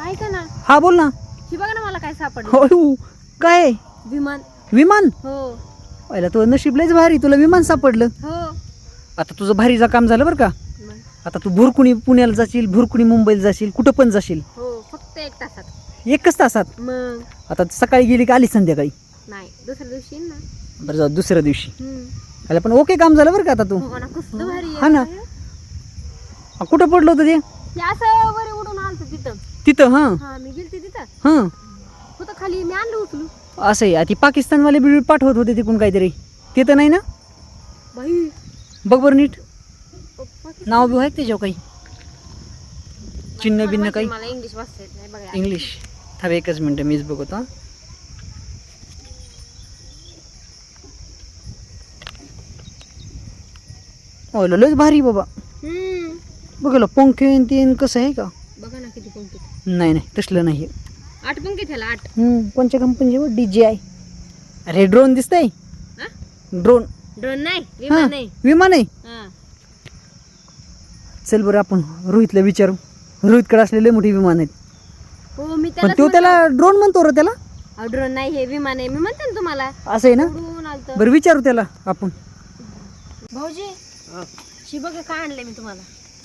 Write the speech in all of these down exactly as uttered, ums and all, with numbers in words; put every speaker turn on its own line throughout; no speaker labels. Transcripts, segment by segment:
ऐका ना,
हा बोल ना.
ही बघा ना मला काय सापडलं.
हो काय
विमान.
विमान?
हो
पहिला तुझं नशीब लयच भारी, तुला विमान सापडलं.
हो.
आता तुझं भारीचं काम झालं बरं का.
मग.
आता तू भुरकुणी पुण्याला जाशील, भुरकुणी मुंबईला जाशील, कुठं पण जाशील
हो फक्त एक तासात.
एकच तासात.
मग
आता सकाळी गेली का आली संध्याकाळी?
नाही दुसऱ्या दिवशी येईन ना.
बरं जाऊ दुसऱ्या दिवशी.
हम्म.
अरे पण ओके काम झालं बरं का आता तू.
हो ना कसलं भारी आहे.
हा ना. हा, कुठं पडलं होतं ते?
हे असं वर उडून आलतं तिथं.
तिथं हां
हा मी गेलते तिथं.
हां
होतं खाली मी आणलं उचलू.
असं आहे. ती पाकिस्तानवाले बिल पाठवत होते तिकडून काहीतरी, ते तर नाही ना?
बाई
बघ बरं नीट
पप्पा
नाव बिव आहे का त्याच्यावर काही चिन्ह बिन्न काही?
मला इंग्लिश वाचता येत नाही बघा.
इंग्लिश थांब एकच मिनटं मीच बघतो. हा लयच भारी बाबा.
हम्म.
बघायला पंखे तीन कसं आहे का?
बघा ना किती पंखे.
नाही नाही तसलं नाही.
आठ पंखे त्याला आठ.
हम्म कोणत्या कंपनीचे? D J I. अरे ड्रोन दिसतंय.
हा?
ड्रोन.
ड्रोन नाही
हा
विमान नाही.
विमान आहे.
हा.
चल बरं आपण रोहितला विचारू. रोहितकडे असलेले मोठी विमान आहेत.
हो मी
पण
त्याला
तो त्याला ड्रोन म्हणतो रे त्याला.
ड्रोन नाही हे विमान आहे मी म्हणते ना तुम्हाला.
असं आहे ना.
उडून आलतं.
बरं विचारू त्याला आपण.
भाऊजी शी बघा काय आणलंय मी तुम्हाला.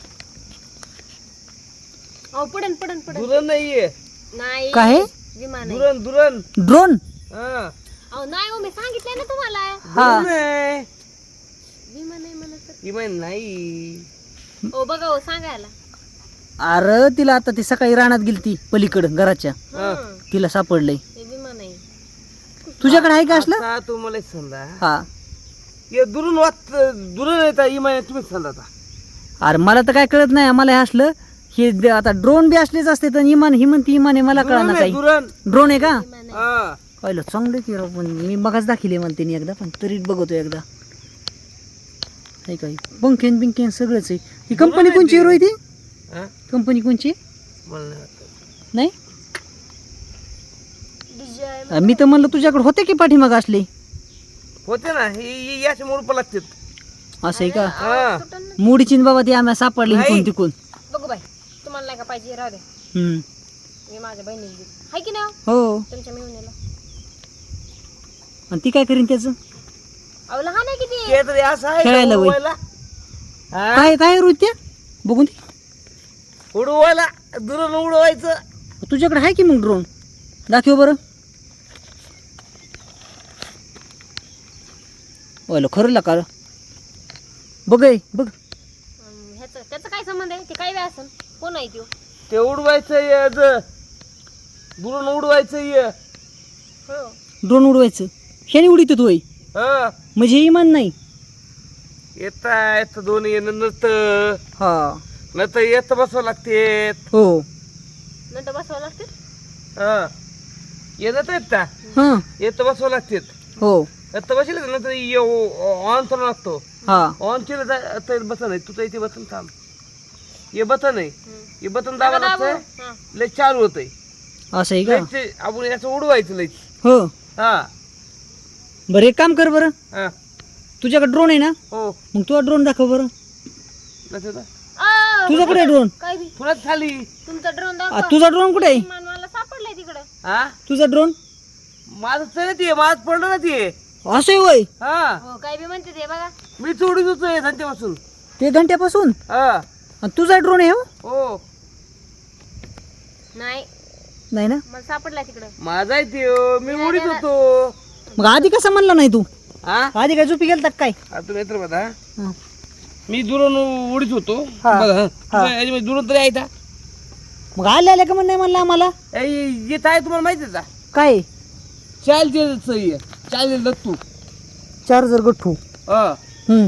अहो पडन पडन पडन.
दुरण नाहीये,
नाही
काय आहे?
विमान आहे.
दुरण दुरण
ड्रोन.
हा
अहो नाही हो मी सांगितलंय ना तुम्हाला.
हा
दुरण आहे.
विमान आहे म्हणत तर.
इमान नाही.
हो बघा हो सांगायला.
अरे तिला आता ती सकाळी रानात गेली ती पलीकडं घराच्या,
हा
तिला सापडलंय.
हे विमान आहे.
तुझ्याकडे आहे का असलं?
आता तुम्हाला एक सांगा,
हा
ये दुरून वाच दुरण येता इमान तुम्ही सांगा आता.
अरे मला तर काय कळत नाही. आम्हाला हे असलं हे द- आता ड्रोन बी असलेच असते तर इमान ही म्हणते इमान आहे, मला
दुरण
कळणार
आहे,
काही.
दुरण
ड्रोन आहे का?
विमान आहे.
हा
पाहिलं चांगलं की राव, पण मी बघाच दाखिले मला त्यांनी एकदा, पण तरी बघतो एकदा. आहे काही पंखेन बिंकेन सगळंच आहे. ही कंपनी कोणची आहे रोहित?
हा?
कंपनी कोणची?
मला नाही वाटत.
नाही
डीजे आहे.
अ, मी तर म्हणलं तुझ्याकडे होते की पाठीमाग असले.
होते ना हे याच्या मोड लागतात.
असं आहे का?
हा
तुटन ना.
मुडीचीन बाबा ती आम्हाला सापडली
नाही.
कोण तिकून.
बघू बाई तुम्हाला नाही का पाहिजे राहू द्या.
हम्म.
मी माझ्या बहिणीला दिली हाय की नाही
हो
तुमच्या मिळूनला.
आणि ती काय करीन त्याचं?
अहो लहान आहे किती.
ते तरी असं आहे का
खेळायला वय.
उडवायला? हा?
काय काय रोहित त्या बघून ती
उडवायला दुरण उडवायचं.
तुझ्याकडे आहे की मग ड्रोन? दाखव बरं. ओलं खरं का? बघ हे, बघ
अं, ह्याचं त्याचं काय संबंध आहे ते काय वेळ असेल कोण आहे त्यो.
ते उडवायचं ये ज. दुरण उडवायचं ये.
हो
ड्रोन उडवायचं. ह्याने उडीत तू
हा
म्हणजे हे इमान नाही.
येता येतं दोन येणं नत
हा
नत येत बसावं लागते.
हो
नंतर बसवावं लागते.
हा येत येत का
हा
येत बसावं लागते.
हो
येत बसले नंतर ऑन करून लागतो.
हा
ऑन केलं तर बटन आहे तुझं इथे बटन थांब. हे बटन आहे
हम्म.
हे बटन दाबा
दाबू.
लागतंय
हा.
लय चालू होतंय.
असं आहे का?
लयच आपण याचं उडवायचं लयच.
हो
हा
बरं एक काम कर बरं.
हा
तुझ्याकडे ड्रोन आहे ना?
हो
मग तुझा ड्रोन दाखव बरं.
नसेल ना?
आ,
तुझ्याकडे ड्रोन?
काय बी
पुन्हाच खाली.
तुमचा ड्रोन
आ,
दाखवा.
तुझा ड्रोन कुठे आहे?
विमान मला सापडलंय तिकडं.
हा
तुझा ड्रोन
माझं चढत ये माझं पडलं ना ते.
असं आहे वय.
हा
हो काय बी म्हणते ते बघा.
मी चोडीत होतोय धंद्यापासून.
ते घंट्यापासून.
हा
आणि तुझा ड्रोन आहे हो?
हो
नाही
नाही ना.
हाँ।
मला सापडलाय तिकडं.
माझा आहे ते हो. मी उडीत होतो.
मग आधी कसं म्हणला नाही तू?
हा
आधी काय झोपी गेलता का काय?
आता मित्र बघा
हा.
मी दुरून उडीत होतो.
हा.
बघा हा.
हा.
तुझ्या याच्यामध्ये दुरून तरी आहे का?
मग आले आले का म्हण नाही म्हणलं आम्हाला
ए, येत आहे तुम्हाला माहिती आहे का?
काय?
चालते चालते दत्तू.
चार्जर गठ्ठू.
हा
हम्म.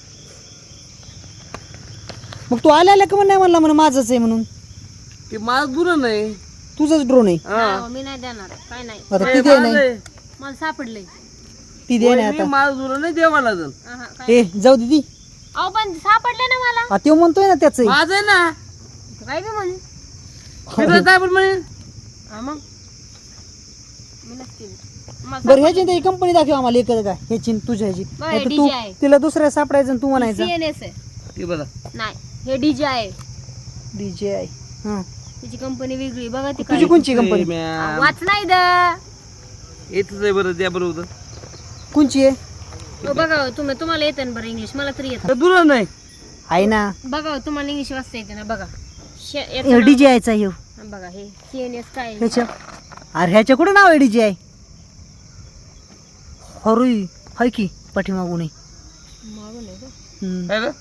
मग तू आले आले का म्हण नाही म्हणला म्हणून माझंच आहे म्हणून.
ते माझं दुरण आहे.
तुझंच ड्रोन आहे.
हा.
हो, मी नाही देणार काय नाही.
आता
ए,
ती दे
माझं
नाही.
आहे.
मला सापडलंय.
ती दे
होय,
नाही
मी
आता.
माझं दुरण नाही देवा मला जण.
आहा, काय
ए जाऊ दे ती.
अहो पण सापडले ना मला.
आ, त्यो म्हणतोय ना त्याच
माझं आहे ना.
काय बी म्हणे.
फिरत काय पण म्हणे.
हा मग मी नसते. मला
बरं ह्याची तरी कंपनी दाखव आम्हाला एकच काय ह्याची न तुझ्या ह्याची.
बरं,
नाहीतर
D J
तू
आहे.
तिला दुसऱ्या सापडायचं आणि तू म्हणायचं
सी एन एस आहे.
ते बघा
नाही हे डीजे आहे.
डीजे आहे. हा
त्याची कंपनी वेगळी बघा ती
तुझी कोणची कंपनी
मॅम
वाच नाही द
येतच आहे बरं द्या बरोबर
कोणची आहे
हो, बघा हो, तुम्ही तुम्हाला येतं ना बरं इंग्लिश मला तरी येतं
दुरा नाही
आहे ना
बघा हो, तुम्हाला इंग्लिश वाचता येते ना बघा शे- याचं नाव-
डीजे आयचा ह्यो
हा, बघा हे सी एन एस काय आहे?
ह्याच्या अरे ह्याच्या कुठं नाव आहे डीजे आहे हरुई हाय की पाठीमागून आहे.
मागून आहे का?
हम्म.
काय रे?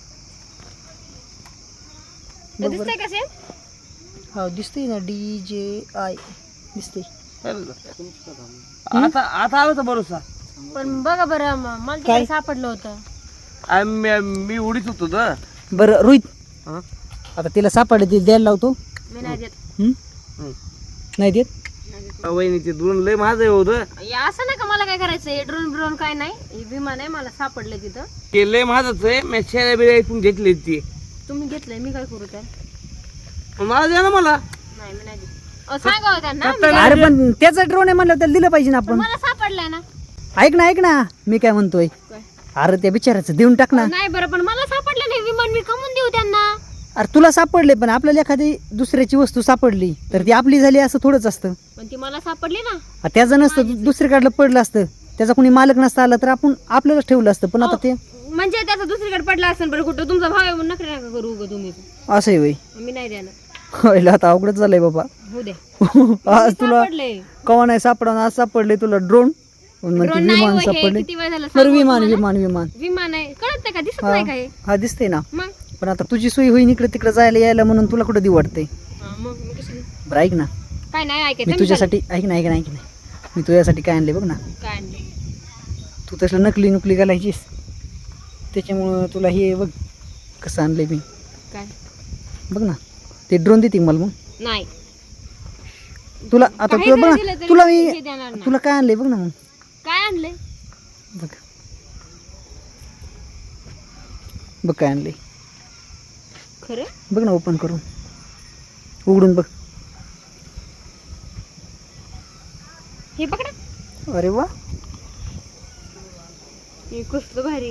हे दिसतंय का सेम
हा दिसतंय ना डी जे आय दिसतंय
काय रे? आता आता आलं तर भरोसा
पण बघा बरं म- मला
काय?
तिकडे सापडलं होतं
आम्ही- मी उडीत होतो ना
बरं रोहित
हा?
आता तिला सापडले ते द्यायला लावतो
मी नाही देत
हम्म?
हम्म.
नाही देत
नाही देत.
वहिनीचे दोन लय माझं होतं
हे असं नाही का मला काय करायचं हे ड्रोन ब्रोन काय नाही हे विमान आहे मला सापडलं तिथं
ते लय माझंच आहे मी शेळ्या बिळ्या ऐकून घेतली ती
तुम्ही घेतलंय मी काय करू तर
मला द्या ना मला
नाही मी नाही देत अहो, सांगा हो त्यांना मी
नाही.
अरे पण त्याचा ड्रोन आहे म्हणलं त्याला दिलं पाहिजे ना
पण
आपण
मला सापडलंय ना
ऐक ना ऐक ना मी काय म्हणतोय
काय?
अरे त्या बिचाराचं देऊन टाक ना
नाही बरं पण मला सापडलं नाही विमान मी कमवून देऊ त्यांना
अरे तुला सापडले पण आपल्याला एखादी दुसऱ्याची वस्तू सापडली तर ती आपली झाली असं थोडंच असतं
पण ती मला सापडली ना
आ, त्याचं नसतं दु- दुसरीकडलं पडलं असतं त्याचा कोणी मालक नसता आला तर आपण आपल्यालाच ठेवलं असतं पण आता ते
म्हणजे त्याचा दुसरीकडे पडला असेल बरं कुठं तुमचा भाव आहे म्हणून नका नका करू उगा तुम्ही
असं आहे वय
मी नाही देणार
व्हायला आता अवघडच झालंय बाबा
होऊ दे
आज तुला
सापडले
कवा नाही सापडा आज सापडले तुला ड्रोन म्हणते
ड्रोन नाही
विमान
हो, हे
सापडले
किती वेळ झालं
बरं
सांगू
विमान
तुम्हाला?
विमान विमान
विमान आहे कळत नाही का दिसत
हा
नाही का हे
हा दिसते ना
मग
पण आता तुझी सोय होईन इकडे तिकडे जायला यायला म्हणून तुला कुठं देऊ वाटते
हा, मग मी कशाला-
बरं ऐक ना
काय नाही
मी
ऐकायचं मी
तुझ्यासाठी ऐक ना ऐक ना ऐक ना मी तुझ्यासाठी काय आणले बघ ना
चालले. काय आणले
तू तसलं नकली नुकली घालायचीस त्याच्यामुळं तुला हे बघ कसं आणलंय मी
काय
बघ ना ते ड्रोन देते मला मग
नाही
तुला आता
काही
तुला
जरी
बघ
दिलं
ना
तरी
तुला
पैसे
मी
देणार नाही.
तुला काय आणलंय बघ ना मग
काय आणले
बघ बघ काय आणलंय
खरं
बघ ना ओपन करून उघडून बघ
हे पकडा
अरे वा
हे कसलं भारी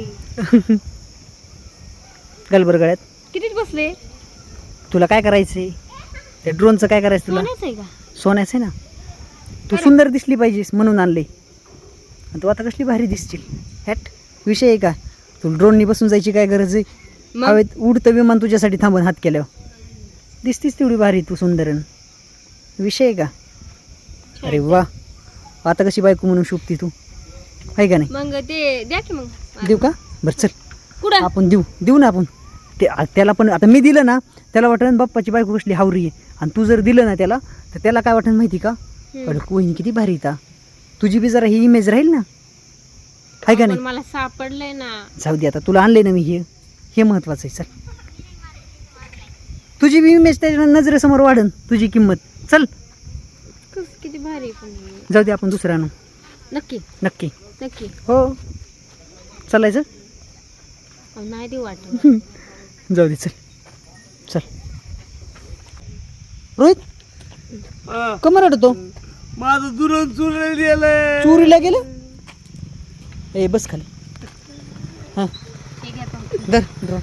घाल बरं गळ्यात
कितीच बसले
तुला काय करायचंय त्या ड्रोनचं काय करायचं तुला
सोन्याचं आहे का
सोन्याचं आहे ना तू सुंदर दिसली पाहिजेस म्हणून आणले आणि तू आता कसली भारी दिसशील हॅट विषय आहे का तू ड्रोननी बसून जायची काय गरज आहे
मग?
हवेत उडतं विमान तुझ्यासाठी थांबून हात केल्यावर दिसतीस तेवढी भारी तू सुंदरन विषय आहे का अरे वा आता कशी बायको म्हणून शोभती तू आहे का नाही
मग ते द्या की मग
देऊ का बरं चल
कुठं
आपण देऊ देऊ ना आपण ते आ- त्याला पण आता मी दिलं ना त्याला वाटेल बाप्पाची बायको कसली हावरी आहे आणि तू जर दिलं ना त्याला तर त्याला काय वाटेल माहिती का
हम्म.
अरे कोणी किती भारी येता तुझी बी जरा ही इमेज राहील ना आहे का
पण
नाही
मला सापडलंय ना
जाऊ दे आता तुला आणले ना मी हे हे महत्वाचं आहे चल तुझी बी इमेज त्याच्या नजरेसमोर वाढन तुझी किंमत चल
कस किती भारी पण
जाऊ दे आपण दुसरं आणू
नक्की
नक्की
नक्की
हो चालायचं
अहो, नाही देऊ वाटत
जाऊ दे चल चल रोहित
हा.
कमर अडतो
माझं दुरून चुरलं गेलं
चोरीला गेलं ए बस खाली हां
ठीक आहे पण
धर ड्रो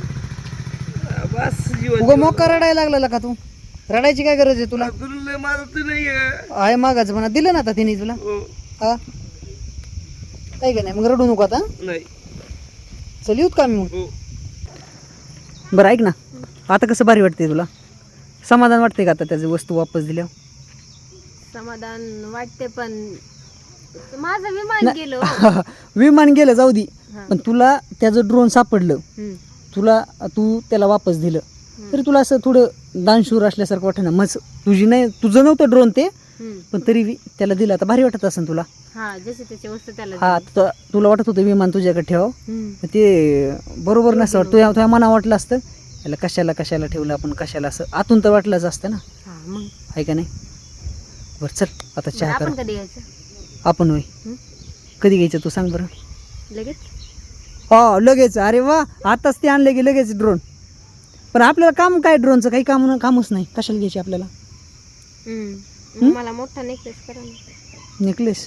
बस जीवन
उगा मोका रडायला लागला का तू रडायची काय गरज आहे तुला
दुरून लय माझं तर नाही
आहे मागाचं म्हणा दिलं ना आता तिने तुला हा काय का नाही मग रडू नको आता
नाही
चल येऊत का मी मग
हो.
बरं ऐक ना आता कसं भारी वाटते तुला समाधान वाटते का आता त्याची वस्तू वापस दिल्यावर
समाधान वाटते पण माझं विमान गेलो हो.
विमान गेलं जाऊ दे
हा.
पण तुला त्याचं ड्रोन सापडलं
हम्म.
तुला तू त्याला वापस दिलं तरी तुला असं थोडं दानशूर असल्यासारखं वाटतं ना मग तुझी नाही तुझं नव्हतं ड्रोन ते
हम्म.
पण तरी बी त्याला दिलं आता भारी वाटत असेल तुला
हा जसे त्याची वस्तू त्याला
हा
दिली.
त- तुला वाटत होतं विमान तुझ्याकडे ठेव
हम्म.
ते बरोबर नसतं वाटतं तुझ्या तुझ्या मना वाटलं असतं याला कशाला कशाला ठेवलं आपण कशाला असं आतून तर वाटलंच असतं ना
हा मग
आहे का नाही बरं चल आता
बरं,
चहा
आपण
करा
कधी यायचं
आपण होय
हं?
कधी घ्यायचं तू सांग बरं
लगेच
हो लगेच अरे वा आताच ते आणले की लगेच ड्रोन पण आपल्याला काम काय ड्रोनचं काही काम कामच नाही कशाला घ्यायची आपल्याला
हम्म. मग मला मोठा नेकलेस करा ना.
नेकलेस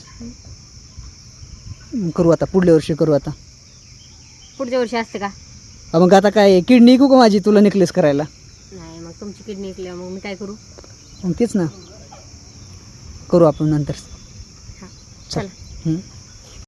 करू आता पुढल्या वर्षी करू आता
पुढच्या वर्षी असते का
अ मग आता काय किडनी ऐकू का माझी तुला नेकलेस करायला
नाही मग तुमची किडनी ऐकल्या मग मी काय करू?
मग तेच ना, करू आपण नंतर.
हा
चल.
चला.
हं.